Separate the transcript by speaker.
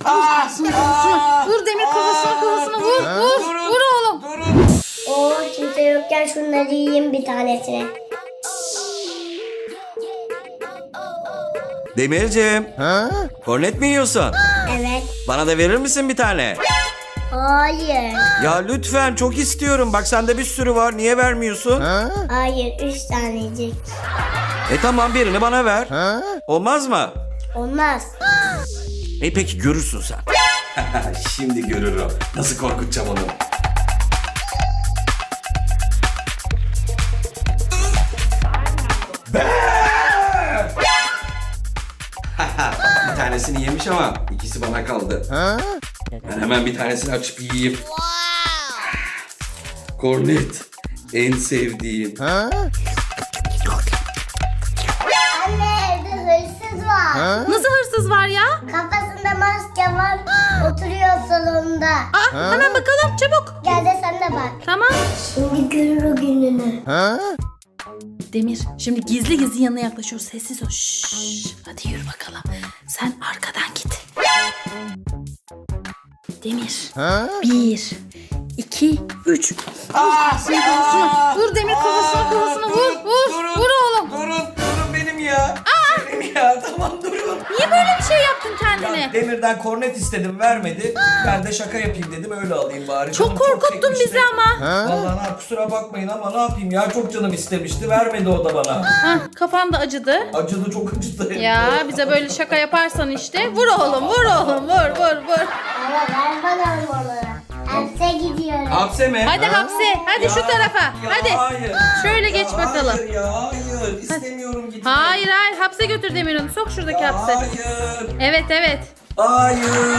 Speaker 1: Vur Demir, kafasına vur. Vur oğlum.
Speaker 2: Durun.
Speaker 3: Oo, kimse yokken şunları yiyeyim bir tanesini.
Speaker 2: Demirciğim. Kornet mi yiyorsun?
Speaker 3: Evet.
Speaker 2: Bana da verir misin bir tane?
Speaker 3: Hayır.
Speaker 2: Ya lütfen, çok istiyorum. Bak sende bir sürü var. Niye vermiyorsun?
Speaker 3: Hayır, 3 tanecik.
Speaker 2: Tamam, birini bana ver. Olmaz mı?
Speaker 3: Olmaz.
Speaker 2: Peki görürsün sen. Şimdi görürüm. Nasıl korkutacağım onu. Bir tanesini yemiş ama ikisi bana kaldı. Ben hemen bir tanesini açıp yiyeyim. Kornet. En sevdiğim.
Speaker 3: Anne, evde hırsız var.
Speaker 1: Nasıl hırsız var ya?
Speaker 3: Kafasında maske var. Oturuyor salonda.
Speaker 1: Hemen bakalım çabuk.
Speaker 3: Gel de sen de bak.
Speaker 1: Tamam.
Speaker 3: Şimdi görür o gününü.
Speaker 1: Demir, şimdi gizli yanına yaklaşıyoruz. Sessiz ol. Şşş. Hadi yürü bakalım. Sen arkadan git. Demir. 1, 2, 3. Vur Demir, kafasına vur. Vur oğlum.
Speaker 2: Durun benim ya. Benim ya, tamam durun.
Speaker 1: Niye böyle bir şey yaptın kendine?
Speaker 2: Ya Demir'den kornet istedim, vermedi. Ben de şaka yapayım dedim, öyle alayım bari.
Speaker 1: Çok
Speaker 2: Canım
Speaker 1: korkuttun
Speaker 2: çekmişti.
Speaker 1: bizi ama.
Speaker 2: Vallahi kusura bakmayın ama ne yapayım ya, çok canım istemişti, vermedi o da bana.
Speaker 1: Kafan da acıdı.
Speaker 2: Acıdı, çok acıdı.
Speaker 1: Ya bize böyle şaka yaparsan işte. Vur oğlum, vur.
Speaker 3: Ama ver bakalım onu. Hapse gidiyorum.
Speaker 2: Hapse mi?
Speaker 1: Hadi hapse. Hadi şu tarafa.
Speaker 2: Ya
Speaker 1: Hadi.
Speaker 2: Hayır.
Speaker 1: Şöyle geç bakalım.
Speaker 2: Hayır ya, hayır. İstemiyorum gitmeyi.
Speaker 1: Hayır. Hapse götür Demir onu. Sok şuradaki hapse.
Speaker 2: Hayır.
Speaker 1: Evet.
Speaker 2: Hayır.